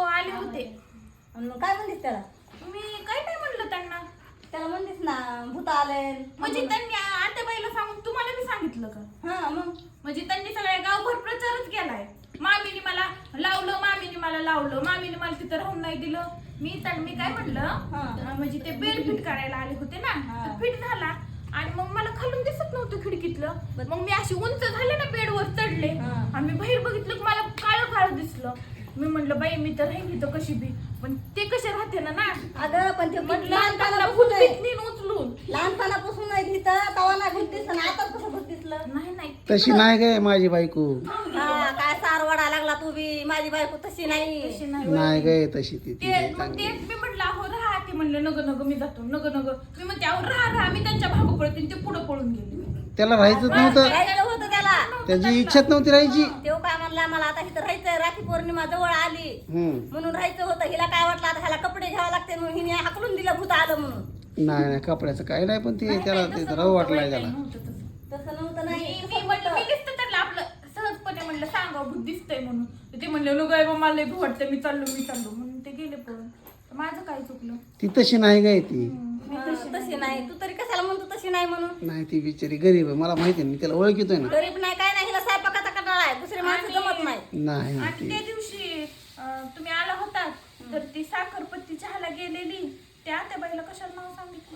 आले होते. आणि मग काय म्हणलीस त्याला? मी काय नाही म्हणलं त्यांना. त्याला म्हणलीस ना भूत आले म्हणजे त्यांनी आत्याबाईला सांगून तुम्हाला मी सांगितलं का? हा मग म्हणजे त्यांनी सगळ्या गावभर प्रचारच केलाय. मामीने मला लावलं, मामीने मला लावलं, मामीने मला तिथं राहून नाही दिलं. मी काय म्हणलं, म्हणजे ते बेड फिट करायला आले होते ना, तर फिट झाला आणि मग मला खालून दिसत नव्हतं खिडकीतलं. मग मी अशी उंच झाले ना बेडवर चढले आणि मी बाहेर बघितलं की मला काळं काळं दिसलं. मी म्हणलं बाई मी तर राहिली तर कशी बी, पण ते कसे राहते ना. अगं पण ते म्हटलं उचलून लहानपणापासून नाही दिसत तवा नाही भूत दिसत आता कसं भूत दिसलं? नाही तशी नाही काय माझी बायको. हा काय सारवाडा लागला तू बी. माझी बायको तशी नाही. नाही काय तशी ती मग तेच मी म्हटलं अहो राहा. ते म्हणलं नग नग मी जातो नग नग. मी म्हणते अहो राहा मी त्यांच्या भाग पळते. ते पुढे पळून गेले. त्याला राहायचंच नव्हतं, राहिलेलं होतं त्याला. त्याची इच्छाच नव्हती राहायची. तेव्हा काय म्हणला मला आता इथं राहायचंय, राखी पौर्णिमा जवळ आली म्हणून राहायचं होतं. हिला काय वाटलं आता ह्याला कपडे घ्यावे लागते म्हणून हिने हाकलून दिलं भूत आलं म्हणून. नाही नाही कपड्याचं काही नाही, पण ते त्याला ते राहू वाटलाय त्याला. तसं नव्हतं नाही. मी म्हणलं मी दिसतं त्यांना आपलं सहजपणे म्हणलं सांगा भूत दिसतंय म्हणून. ते म्हणले नको आहे मला लय भीती वाटतं, मी चाललो म्हणून ते गेले पळून. माझं काय चुकलं? ती तशी नाही काय ती. तशी नाही. तू तरी कशाला म्हणतो तशी नाही म्हणून? नाही ती बिचारी गरीब आहे, मला माहिती आहे, मी त्याला ओळखितोय ना. गरीब नाही काय नाही. हिला स्वयंपाकाचा कंटाळा आहे. दुसरे माणसं जमत नाही. नाही आणि त्या दिवशी तुम्ही आला होता तर ती साखरपत्ती चहाला गेलेली. त्या आत्याबाईला कशाला नाव सांगितलं?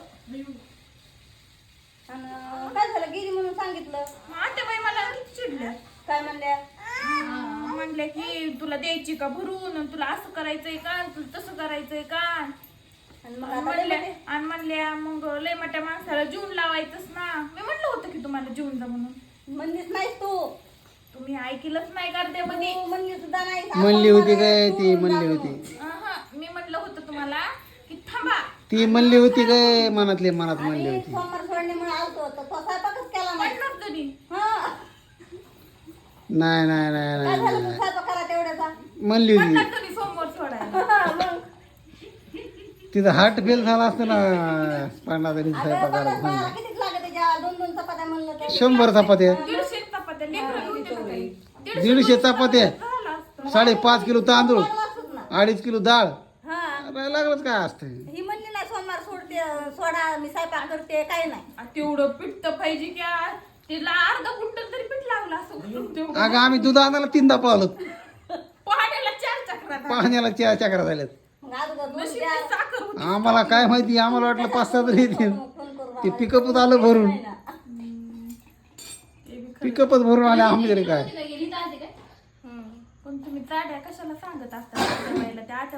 आणि काय झालं गेली म्हणून सांगितलं. आत्याबाई मला किती चिडल्या. काय म्हणल्या? म्हणल्या की तुला द्यायची का भरून, तुला असं करायचंय का, तुला तसं करायचंय का. आणि म्हणल्या मग लय मोठ्या माणसाला जीवन लावायचंच ना. मी म्हणलं होतं की तुम्हाला जीवन जा म्हणून. म्हणलीच नाहीस तू. तुम्ही ऐकलंच नाही करते मध्ये. म्हणली सुद्धा नाही. म्हणली होती काय ती? म्हणली होती मी म्हणलं होतं तुम्हाला की थांबा. ती म्हणली होती काय? मनातली मनात म्हणली आणि होती. सोमवार सोडणे म्हणून आलतो तर तो स्वयंपाकच केला नाही. म्हणणार तुम्ही. हा नाही नाही नाही काय नाही झालं तू स्वयंपाक करा तेवढ्याचा? म्हणली होती. म्हणणार तुम्ही सोमवार सोडायला. मग तिथं हार्ट फेल झाला असतं ना पांडा तरी अगं स्वयंपाक करायला. बाळाला कितीच लागत त्याच्या 2-2 चपात्या म्हणलं तर. 100 चपात्या, 150 चपात्या लेकरं होते ना काही. 150 चपात्या, झालं असतं. 5.5 किलो तांदूळ, वाचूच ना. 2.5 किलो डाळ. हा अरे लागलंच काय असतं. ही म्हणली नाही सोमवार सोडा मी स्वयंपाक करते काय नाही. तेवढं पीठ तर पाहिजे की तिला अर्धा क्विंटल तरी पीठ लागलं असं करून तेवढं. अगं आम्ही दूध आणायला 3दा पळालो, पहाटेला 4 चक्रा पाण्याला 4 चक्रा झाल्यात. मग अगोदर दूध नशीब द्या. ती साखर होती. आम्हाला काय माहिती, आम्हाला वाटलं 5-6 तरी येतील. फोन करू ते पिकअपच आलं भरून, नाही ना. पिकअपच भरून आले आम्ही तरी काय. पण तुम्ही चाड्या कशाला सांगत असता त्या